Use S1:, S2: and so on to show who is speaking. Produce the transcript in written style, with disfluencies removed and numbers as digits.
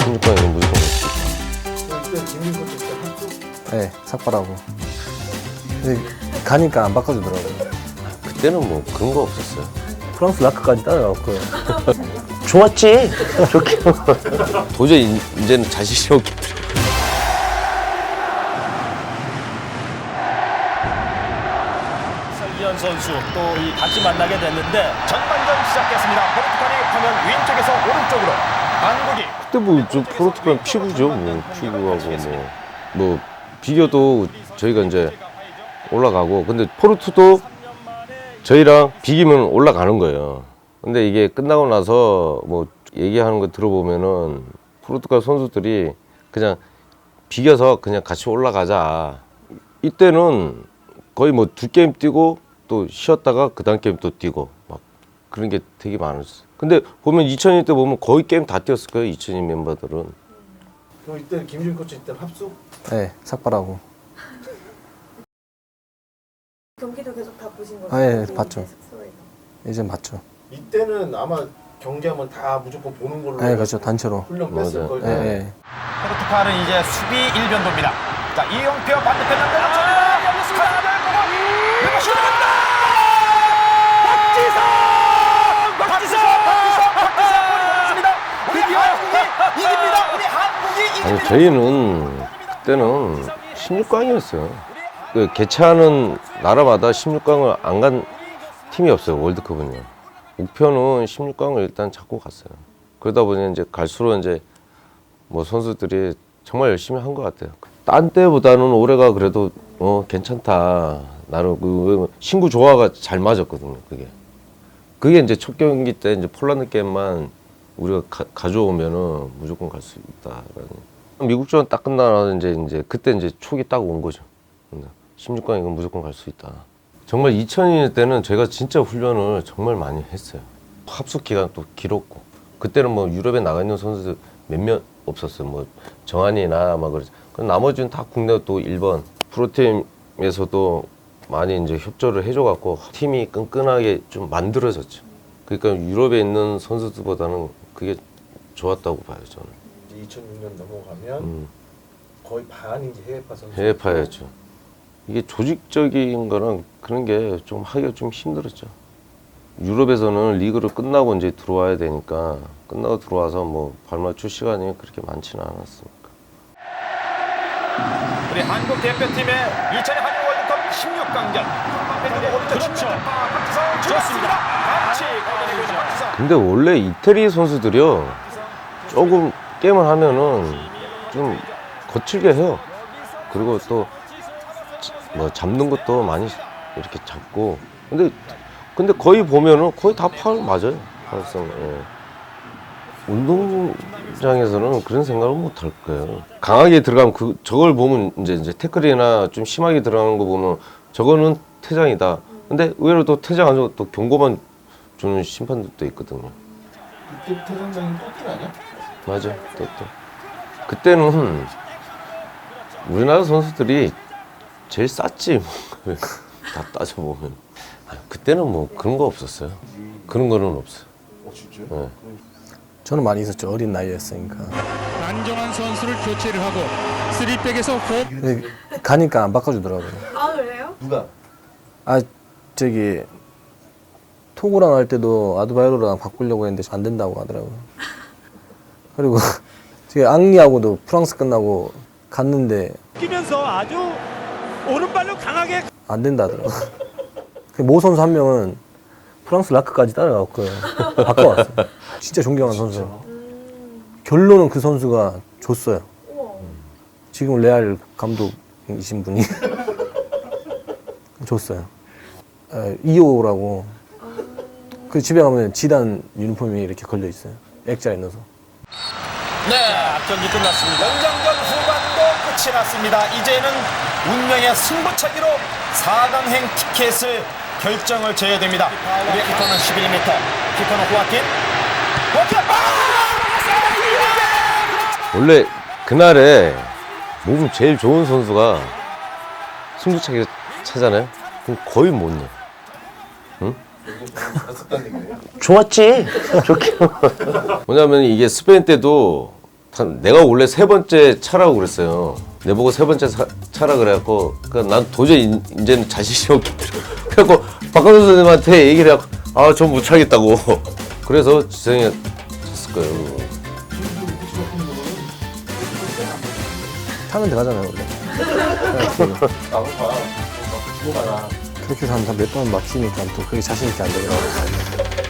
S1: 16강이면 무조건 갈 수 있다.
S2: 네, 삭발하고. 근데 가니까 안 바꿔주더라고요.
S1: 그때는 뭐 그런 거 없었어요.
S2: 프랑스 라크까지 따라갔고요.
S1: 좋았지. 좋게. 도저히 이제는 자신이 없기 때문에.
S3: 설기현 선수 또 이 같이 만나게 됐는데 전반전 시작했습니다. 포르투갈이 화면 왼쪽에서 오른쪽으로 한국이
S1: 그때 뭐 좀 포르투갈 피구죠. 뭐 피구하고 뭐 비교도 저희가 이제 올라가고, 근데 포르투도 저희랑 비기면 올라가는 거예요. 근데 이게 끝나고 나서 뭐 얘기하는 거 들어보면은 포르투갈 선수들이 그냥 비겨서 그냥 같이 올라가자. 이때는 거의 뭐 2게임 뛰고 또 쉬었다가 그 다음 게임 또 뛰고 막 그런 게 되게 많았어요. 근데 보면 2002 때 보면 거의 게임 다 뛰었을 거예요. 2002 멤버들은.
S4: 그럼 이때 김준 코치 이때 합숙?
S2: 네, 삭발하고.
S5: 경기도 계속 다 보신 거죠?
S2: 네, 봤죠.
S5: 숙소에서.
S2: 이젠 봤죠.
S4: 이때는 아마 경기하면 다 무조건 보는 걸로.
S2: 네, 그렇죠. 단체로.
S4: 훈련 뺐을
S1: 맞아요.
S4: 걸.
S2: 네, 네.
S3: 포르투갈은 이제 수비 1변도입니다. 자, 이영표 반대편 남겨놓습니다. 열렸습니다. 내가 슛합니다. 박지성 우리 한국이 이깁니다. 우리 한국이 이깁니다.
S1: 아니 저희는 그때는 16강이었어요. 그 개최하는 나라마다 16강을 안 간 팀이 없어요. 월드컵은요. 목표는 16강을 일단 잡고 갔어요. 그러다 보니 이제 갈수록 이제 뭐 선수들이 정말 열심히 한 것 같아요. 딴 때보다는 올해가 그래도 괜찮다. 나는 그 신구 조화가 잘 맞았거든요. 그게 이제 첫 경기 때 이제 폴란드 게임만 우리가 가져오면은 무조건 갈 수 있다라는. 미국전 딱 끝나서 이제 그때 이제 촉이 딱 온 거죠. 16강이면 무조건 갈 수 있다. 정말 2002년 때는 제가 진짜 훈련을 정말 많이 했어요. 합숙 기간도 길었고, 그때는 뭐 유럽에 나가 있는 선수들 몇몇 없었어요. 뭐 정한이나 막 그러죠. 나머지는 다 국내 또 일본 프로팀에서도 많이 이제 협조를 해줘갖고 팀이 끈끈하게 좀 만들어졌죠. 그러니까 유럽에 있는 선수들보다는 그게 좋았다고 봐요, 저는.
S4: 이제 2006년 넘어가면 거의 반이 이제 해외파 선수.
S1: 해외파였죠. 이게 조직적인 거랑 그런 게 좀 하기가 좀 힘들었죠. 유럽에서는 리그를 끝나고 이제 들어와야 되니까, 끝나고 들어와서 뭐 발맞출 시간이 그렇게 많지는 않았으니까.
S3: 우리 한국 대표팀의 2002 한일 월드컵 16강전. 그렇죠. 박지성 좋습니다. 같이 걸어내고 있는 박지성.
S1: 근데 원래 이태리 선수들이요, 조금 게임을 하면은 좀 거칠게 해요. 그리고 또 뭐 잡는 것도 많이 이렇게 잡고, 근데 거의 보면은 거의 다 파울 맞아요. 파울성. 예. 운동장에서는 그런 생각을 못 할 거예요. 강하게 들어가면 저걸 보면 이제 태클이나 좀 심하게 들어가는 거 보면 저거는 퇴장이다. 근데 의외로 또 퇴장 안 주고 또 경고만 주는 심판들도 있거든요.
S4: 이때 태상장이 뽑힌 아니야?
S1: 맞아. 또. 그때는 우리나라 선수들이 제일 쌌지. 뭐. 다 따져보면. 그때는 뭐 그런 거 없었어요. 그런 거는 없어요.
S4: 진짜?
S1: 네.
S2: 저는 많이 있었죠. 어린 나이였으니까.
S6: 안정환 선수를 교체를 하고 3백에서 4.
S2: 근데 가니까 안 바꿔주더라고요.
S5: 아 그래요?
S4: 누가?
S2: 아, 저기 토고랑 할 때도 아드바이로랑 바꾸려고 했는데 안 된다고 하더라고요. 그리고 저기 앙리하고도 프랑스 끝나고 갔는데
S3: 뛰면서 아주 오른발로 강하게
S2: 안 된다 하더라고요. 모 선수 한 명은 프랑스 라크까지 따라갔고요. 바꿔왔어요. 진짜 존경하는 선수. 결론은 그 선수가 줬어요.
S5: 우와.
S2: 지금 레알 감독이신 분이 줬어요. 2호라고. 그 집에 가면 지단 유니폼이 이렇게 걸려 있어요. 액자에 넣어서.
S3: 네, 경기 끝났습니다. 연장전 후반도 끝이 났습니다. 이제는 운명의 승부차기로 4강행 티켓을 결정을 져야 됩니다. 우리 키커는 11m, 키커는 호아킨.
S1: 원래 그날에 몸 제일 좋은 선수가 승부차기 차잖아요. 그럼 거의 못 넣어. 응?
S4: 갔었다는 얘기예요?
S1: 좋았지. 좋게. 뭐냐면 이게 스페인 때도 내가 원래 세 번째 차라고 그랬어요. 내보고 세 번째 차라 그래갖고 난 도저히 이제는 자신이 없겠더라고. 그래갖고 박광선 선생님한테 얘기를 해갖고 아, 전 못 차겠다고. 그래서 지성이가 찼을 거예요.
S2: 타면 들어가잖아요 원래.
S4: 나도 봐. 죽어가라.
S2: 그렇게 해서 한 몇 번 막히니까 또 그게 자신 있게 안 되더라고요.